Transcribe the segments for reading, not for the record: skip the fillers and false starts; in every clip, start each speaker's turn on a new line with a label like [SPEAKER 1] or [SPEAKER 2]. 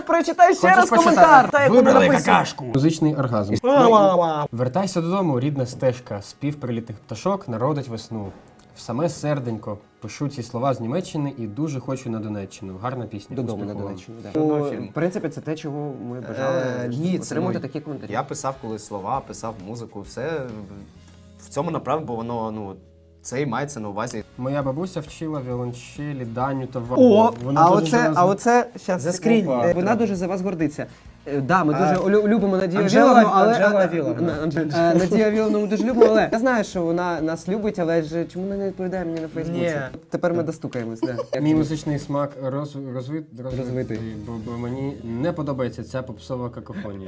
[SPEAKER 1] Прочитай ще раз коментар.
[SPEAKER 2] Вибрали какашку.
[SPEAKER 3] Музичний оргазм. Вертайся додому, рідна стежка, спів прилітних пташок народить весну. В саме серденько пишу ці слова з Німеччини і дуже хочу на Донеччину. Гарна пісня.
[SPEAKER 1] Додому на
[SPEAKER 3] Успіху вам.
[SPEAKER 1] Донеччину.
[SPEAKER 2] Жодного фільму.
[SPEAKER 1] В принципі, це те, чого ми бажали
[SPEAKER 2] Ні, це
[SPEAKER 1] отримати такі коментарі.
[SPEAKER 2] Я писав колись слова, писав музику, все в цьому направі, бо воно, це і мається на увазі.
[SPEAKER 3] Моя бабуся вчила віолончелі, Даню та
[SPEAKER 1] О,
[SPEAKER 3] Вагу. Вона дуже за нас-
[SPEAKER 1] оце щас
[SPEAKER 2] Заскрінь.
[SPEAKER 1] Вона дуже за вас гордиться. Да, ми дуже любимо Надію
[SPEAKER 2] Анжела-
[SPEAKER 1] Віловну, але
[SPEAKER 2] Анжела Віловна.
[SPEAKER 1] Надію Віловну ми дуже любимо, але я знаю, що вона нас любить, але ж чому вона не відповідає мені на Фейсбуці?
[SPEAKER 2] Ні.
[SPEAKER 1] Тепер ми достукаємось. Да.
[SPEAKER 3] Мій музичний смак
[SPEAKER 1] Розвитий.
[SPEAKER 3] бо мені не подобається ця попсова какофонія.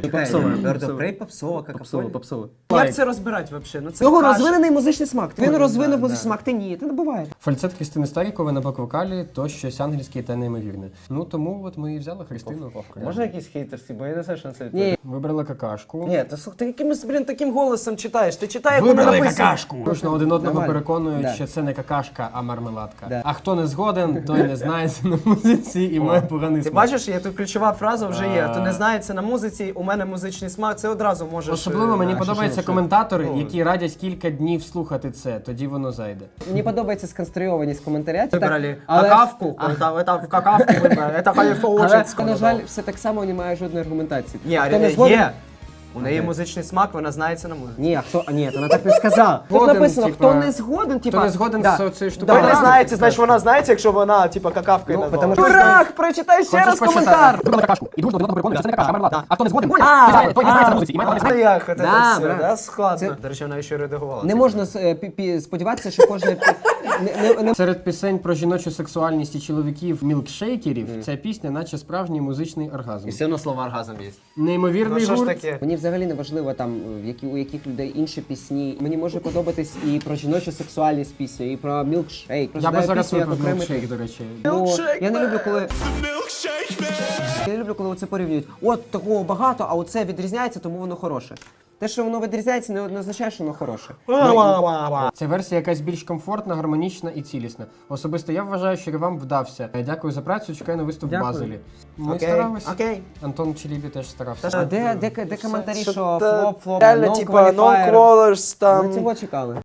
[SPEAKER 1] Попсово.
[SPEAKER 2] Як це розбирати взагалі? Це
[SPEAKER 1] Його
[SPEAKER 2] каша.
[SPEAKER 1] розвинений музичний смак. Він
[SPEAKER 2] Да,
[SPEAKER 1] розвинув
[SPEAKER 2] да.
[SPEAKER 1] музичний смак, ти ні, ти не буває.
[SPEAKER 3] Фальцет Христини Старікової на бак-вокалі – то щось ангельське та неймовірне. Ну тому от ми і взяли Христину.
[SPEAKER 2] Можна якісь хейтерські, бо я не знаю, що на це
[SPEAKER 1] Ні.
[SPEAKER 3] Вибрали какашку.
[SPEAKER 2] Ні, ти якимось, таким голосом читаєш. Ти читай, як воно
[SPEAKER 3] Вибрали
[SPEAKER 2] написано.
[SPEAKER 3] какашку! Точно один одного
[SPEAKER 1] Нормально.
[SPEAKER 3] переконують,
[SPEAKER 1] Да.
[SPEAKER 3] що це не какашка, а мармеладка.
[SPEAKER 1] Да.
[SPEAKER 3] А хто не згоден, той не знається на музиці і має поганий
[SPEAKER 2] Ти
[SPEAKER 3] смак.
[SPEAKER 2] бачиш, є тут ключова фраза вже є. Хто не знається на музиці, у мене музичний смак, це одразу можеш...
[SPEAKER 3] Особливо мені подобаються коментатори,
[SPEAKER 2] Ну.
[SPEAKER 3] які радять кілька днів слухати це, тоді воно зайде.
[SPEAKER 1] Мені подобається сконструйованість коментаря.
[SPEAKER 2] Вибрали
[SPEAKER 1] але-
[SPEAKER 2] какавку, це в какавку вибрали, це халіфоучить.
[SPEAKER 1] Але, на жаль, все так само немає жодної аргументації.
[SPEAKER 2] Ні,
[SPEAKER 1] Хто не згоден-
[SPEAKER 2] є. У неї музичний смак, вона знається на музиці.
[SPEAKER 1] Ні, ні, вона так не сказала. Тут
[SPEAKER 3] Згоден,
[SPEAKER 1] написано,
[SPEAKER 3] типа,
[SPEAKER 1] хто не згоден, типа...
[SPEAKER 3] Хто не згоден
[SPEAKER 1] да.
[SPEAKER 3] з цією
[SPEAKER 2] Ви
[SPEAKER 3] штукою.
[SPEAKER 2] не знаєте, значить вона знається, якщо вона, типа, какавкою
[SPEAKER 1] Ну,
[SPEAKER 2] назвала.
[SPEAKER 1] потому що-
[SPEAKER 2] Дурак, прочитай ще раз коментар.
[SPEAKER 3] Вибрали какашку. І дуже до одного переконують, що це не какашка, а мармеладка. А хто не згоден, той не знається на музиці і має поганий смак.
[SPEAKER 2] Як це
[SPEAKER 1] Да,
[SPEAKER 2] все,
[SPEAKER 1] брат.
[SPEAKER 2] да, складно.
[SPEAKER 1] Це-
[SPEAKER 2] До речі, вона ще редагувала.
[SPEAKER 1] Не можна сподіватися, що кожне... не-
[SPEAKER 3] Серед пісень про жіночу сексуальність і чоловіків-мілкшейкерів ця пісня наче справжній музичний оргазм.
[SPEAKER 2] І все одно слово оргазм є.
[SPEAKER 3] Неймовірний
[SPEAKER 2] Ну що ж
[SPEAKER 3] гурт.
[SPEAKER 2] таке?
[SPEAKER 1] Мені взагалі не важливо там, у яких людей інші пісні. Мені може подобатись і про жіночу сексуальність пісня, і про мілкшейк.
[SPEAKER 3] Я би зараз
[SPEAKER 1] пісню як
[SPEAKER 3] випив
[SPEAKER 1] окремий
[SPEAKER 3] мілкшейк, до речі.
[SPEAKER 2] Milkshake,
[SPEAKER 1] Я не
[SPEAKER 2] man.
[SPEAKER 1] люблю, коли... Я не люблю, коли це порівнюють. От такого багато, а оце відрізняється, тому воно хороше. Те, що воно відрізняється, не означає, що воно хороше.
[SPEAKER 3] Ця версія якась більш комфортна, гармонічна і цілісна. Особисто я вважаю, що вам вдався. Дякую за працю, чекаю на виступ в
[SPEAKER 1] Дякую.
[SPEAKER 3] Базелі. Ми
[SPEAKER 2] Окей,
[SPEAKER 3] старалися.
[SPEAKER 2] окей.
[SPEAKER 3] Антон Челібі теж старався.
[SPEAKER 1] А де коментарі, що
[SPEAKER 2] Та
[SPEAKER 1] флоп,
[SPEAKER 2] реально,
[SPEAKER 1] no
[SPEAKER 2] типа, no
[SPEAKER 1] qualifier?
[SPEAKER 2] colors, там...
[SPEAKER 1] Ми цього чекали.